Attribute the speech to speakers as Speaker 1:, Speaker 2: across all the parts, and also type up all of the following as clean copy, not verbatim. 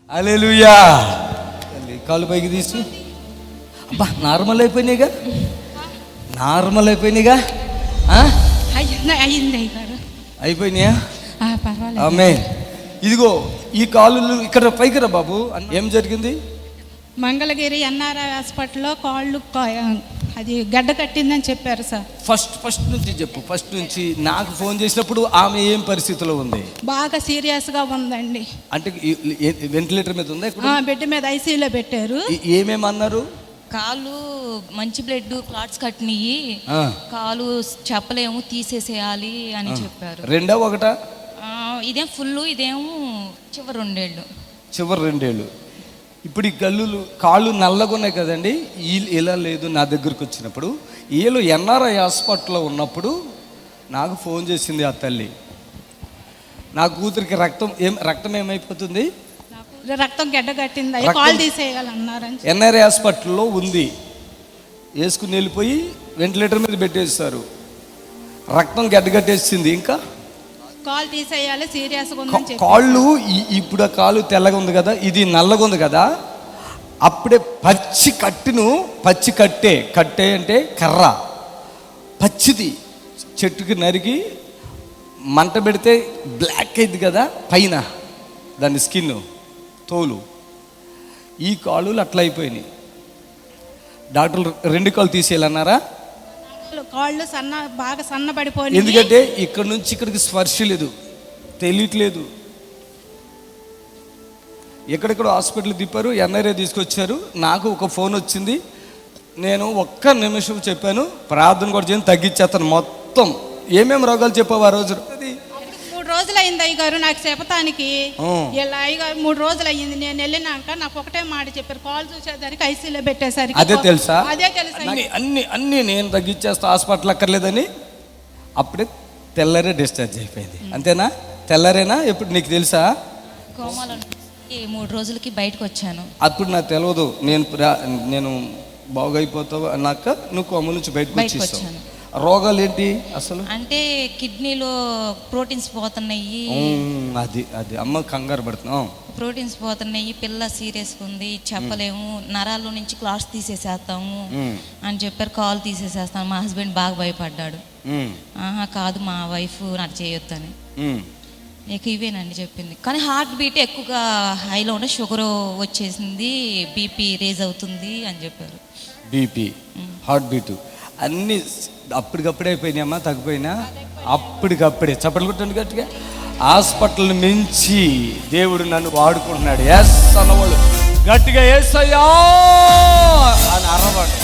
Speaker 1: హల్లెలూయా. కాలు పైకి తీసు. అబ్బా నార్మల్ అయిపోయినాయిగా, నార్మల్ అయిపోయినాయిగా. అయిపోయినాయా? ఆమె ఇదిగో ఈ కాళ్ళు ఇక్కడ పైకి రా బాబు. ఏం జరిగింది?
Speaker 2: మంగళగిరి ఎన్ఆర్ఐ హాస్పిటల్లో కాళ్ళు అది గడ్డ కట్టిందని చెప్పారు సార్.
Speaker 1: ఫస్ట్ నుంచి చెప్పు. ఫస్ట్ నుంచి నాకు ఫోన్ చేసినప్పుడు ఆమె ఏం పరిస్థితిలో ఉంది?
Speaker 2: బాగా సీరియస్గా ఉందండి.
Speaker 1: అంటే వెంటిలేటర్ మీద ఉందా?
Speaker 2: బెడ్ మీద ఐసీయూలో పెట్టారు.
Speaker 1: ఏమేమన్నారు?
Speaker 3: కాళ్ళు మంచి బ్లడ్ క్లాట్స్ కట్టినయి, కాలు చెప్పలేము తీసేసేయాలి అని చెప్పారు.
Speaker 1: రెండా ఒకటా?
Speaker 3: ఇదేం ఫుల్, ఇదేమో చివరి రెండేళ్ళు. ఇప్పుడు ఈ కాళ్ళు నల్లగా ఉన్నాయి కదండి. ఇలా లేదు. నా దగ్గరకు వచ్చినప్పుడు వీళ్ళు ఎన్ఆర్ఐ హాస్పిటల్లో ఉన్నప్పుడు నాకు ఫోన్ చేసింది ఆ తల్లి. నా కూతురికి రక్తం ఏమైపోతుంది?
Speaker 2: రక్తం గడ్డ కట్టింది, కాల్ తీసేయాలన్నారని.
Speaker 1: ఎన్ఆర్ఐ హాస్పిటల్లో ఉంది. వేసుకుని వెళ్ళిపోయి వెంటిలేటర్ మీద పెట్టేస్తారు. రక్తం గడ్డ కట్టేసింది. ఇంకా
Speaker 2: కాల్ తీసేయాలి, సీరియస్గా ఉంది.
Speaker 1: కాళ్ళు ఇప్పుడు ఆ కాలు తెల్లగా ఉంది కదా, ఇది నల్లగా ఉంది కదా. అప్పుడే పచ్చి కట్టే అంటే కర్ర పచ్చిది చెట్టుకి నరికి మంట పెడితే బ్లాక్ అయింది కదా పైన దాని స్కిన్ తోలు. ఈ కాళ్ళు అట్లా అయిపోయినాయి. డాక్టర్లు 2 కాళ్ళు తీసేయాలన్నారా?
Speaker 2: కాళ్ళు బాగా సన్నబడిపోయి.
Speaker 1: ఎందుకంటే ఇక్కడ నుంచి ఇక్కడికి స్పర్శ లేదు, తెలియట్లేదు. ఎక్కడెక్కడ హాస్పిటల్ తిప్పారు, ఎన్ఆర్ఐ తీసుకొచ్చారు. నాకు ఒక ఫోన్ వచ్చింది. నేను ఒక్క నిమిషం చెప్పాను, ప్రార్థన కూడా చేయని తగ్గించేస్తాను మొత్తం. ఏమేమి రోగాలు చెప్పావు ఆ రోజు?
Speaker 2: 3 రోజులు అయింది అయ్యగారు నాకు చెప్పటానికి. ఇలా అయ్యగారు 3 రోజులు అయ్యింది. నేను వెళ్ళినాక నాకు ఒకటే మాట చెప్పారు, కాల్ చూసేదానికి ఐసీలో పెట్టేసరికి.
Speaker 1: అదే తెలుసా?
Speaker 2: అదే తెలుసా?
Speaker 1: అన్ని నేను తగ్గించేస్తా, హాస్పిటల్ అక్కర్లేదని. అప్పుడే తెల్లరే డిశ్చార్జ్ అయిపోయింది. అంతేనా? తెల్లరేనా? ఎప్పుడు నీకు తెలుసా?
Speaker 3: 3 రోజులకి బయటకు వచ్చాను.
Speaker 1: అప్పుడు నాకు తెలియదు. నేను బాగైపోతావు అన్నాక నువ్వు కోమ నుంచి బయటకు వచ్చేసావు. రోగాలు ఏంటి అసలు?
Speaker 3: అంటే కిడ్నీలో ప్రోటీన్స్ పోతున్నాయి.
Speaker 1: అది అమ్మ కంగారు పడుతున్నాం.
Speaker 3: ప్రోటీన్స్ పోతున్నాయి, పిల్ల సీరియస్గా ఉంది, చెప్పలేము, నరాల్లో నుంచి క్లాట్స్ తీసేసేస్తాము అని చెప్పారు. కాల్ తీసేసేస్తాను. మా హస్బెండ్ బాగా భయపడ్డాడు. కాదు మా వైఫ్ నాకు చేయొద్దని. ఇక ఇవేనండి చెప్పింది. కానీ హార్ట్ బీట్ ఎక్కువగా హైలో ఉండే, షుగర్ వచ్చేసింది, బీపీ రేజ్ అవుతుంది అని చెప్పారు.
Speaker 1: బీపీ, హార్ట్ బీట్ అన్నీ అప్పటికప్పుడే అయిపోయినాయమ్మా. తగ్గిపోయినా అప్పటికప్పుడే. చప్పట్లు కొట్టండి గట్టిగా. హాస్పిటల్ మించి దేవుడు నన్ను వాడుకుంటున్నాడు. ఎస్ అన్నవాళ్ళు గట్టిగా ఎస్ అయ్యా అని అరవాడు.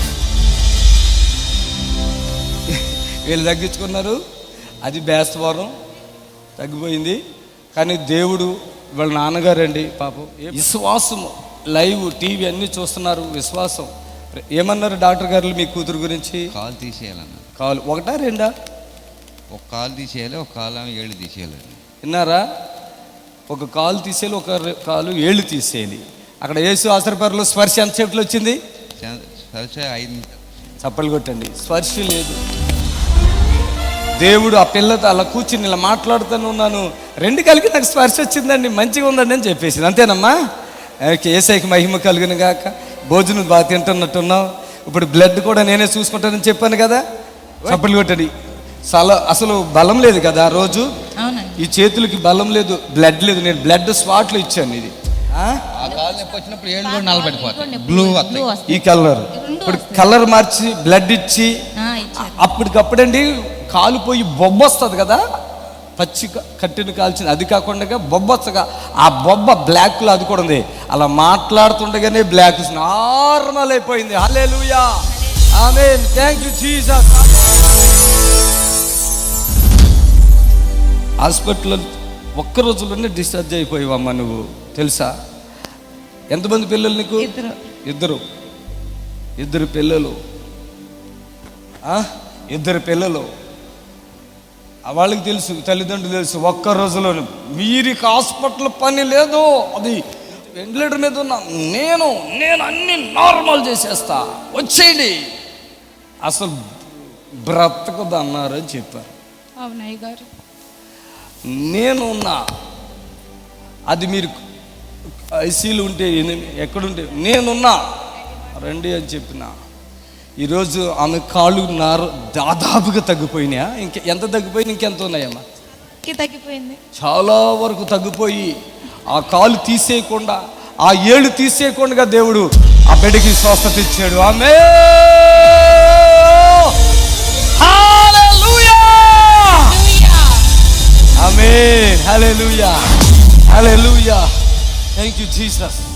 Speaker 1: వీళ్ళు తగ్గించుకున్నారు. అది బేస్తవారం తగ్గిపోయింది. కానీ దేవుడు వాళ్ళ నాన్నగారండి పాపం విశ్వాసం, లైవ్ టీవీ అన్నీ చూస్తున్నారు. విశ్వాసం. ఏమన్నారు డాక్టర్ గారు మీ కూతురు గురించి?
Speaker 4: కాలు తీసేయాలన్నారు.
Speaker 1: కాలు ఒకటా రెండా?
Speaker 4: ఒక కాలు తీసేయాలి, ఒక కాలు ఏళ్ళు తీసేయాలి.
Speaker 1: విన్నారా? ఒక కాలు తీసేయాలి, ఒక కాలు ఏళ్ళు తీసేయాలి. అక్కడ యేసు ఆశ్రపరలో స్పర్శ ఎంతసేపులో వచ్చింది?
Speaker 4: స్పర్శ 5 నిమిషాలు.
Speaker 1: చప్పలు కొట్టండి. స్పర్శ లేదు. దేవుడు ఆ పిల్లతో అలా కూర్చుని ఇలా మాట్లాడుతూనే ఉన్నాను. 2 కలిగి నాకు స్పర్శ వచ్చిందండి, మంచిగా ఉందండి అని చెప్పేసి. అంతేనమ్మా? యేసయ్యకి మహిమ కలుగును గాక. భోజనం బాగా తింటున్నట్టున్నావు. ఇప్పుడు బ్లడ్ కూడా నేనే చూసుకుంటానని చెప్పాను కదా. చప్పలు కొట్టండి. అసలు బలం లేదు కదా ఆ రోజు. ఈ చేతులకి బలం లేదు, బ్లడ్ లేదు. నేను బ్లడ్ స్పాట్లు ఇచ్చాను. ఇది
Speaker 4: వచ్చినప్పుడు ఏళ్ళు కూడా నల్లబడిపోతాయి, బ్లూ
Speaker 1: ఈ కలర్. ఇప్పుడు కలర్ మార్చి బ్లడ్ ఇచ్చి అప్పటికప్పుడండి కాలిపోయి బొబ్బొస్తుంది కదా, పచ్చి కట్టిన కాల్చింది. అది కాకుండా బొబ్బొచ్చగా ఆ బొబ్బ బ్లాక్లో అది కూడా ఉంది. అలా మాట్లాడుతుండగానే బ్లాక్ నార్మల్ అయిపోయింది. Hallelujah, amen, thank you Jesus. హాస్పిటల్లో ఒక్క రోజులోనే డిశ్చార్జ్ అయిపోయావమ్మా నువ్వు. తెలుసా? ఎంతమంది పిల్లలు నీకు? ఇద్దరు పిల్లలు. 2 పిల్లలు. వాళ్ళకి తెలుసు, తల్లిదండ్రులు తెలుసు. ఒక్క రోజులో వీరికి హాస్పిటల్ పని లేదు. అది వెంటిలేటర్ మీద ఉన్నా నేను అన్ని నార్మల్ చేసేస్తా, వచ్చేయండి, అసలు బ్రతకదు అన్నారు అని చెప్పారు.
Speaker 2: అవునయ్య గారు.
Speaker 1: నేనున్నా. అది మీరు ఐసీలు ఉంటే ఎక్కడుంటే నేనున్నా రండి అని చెప్పిన. ఈరోజు ఆమె కాళ్ళు దాదాపుగా తగ్గిపోయినాయా? ఎంత తగ్గిపోయి ఇంకెంత ఉన్నాయమ్మా?
Speaker 3: తగ్గిపోయింది,
Speaker 1: చాలా వరకు తగ్గిపోయి ఆ కాలు తీసేయకుండా, ఆ ఏళ్ళు తీసేయకుండా దేవుడు ఆ బిడ్డకి స్వస్థత ఇచ్చాడు. ఆమె ఆమేన్, హల్లెలూయా, హల్లెలూయా. Thank you Jesus.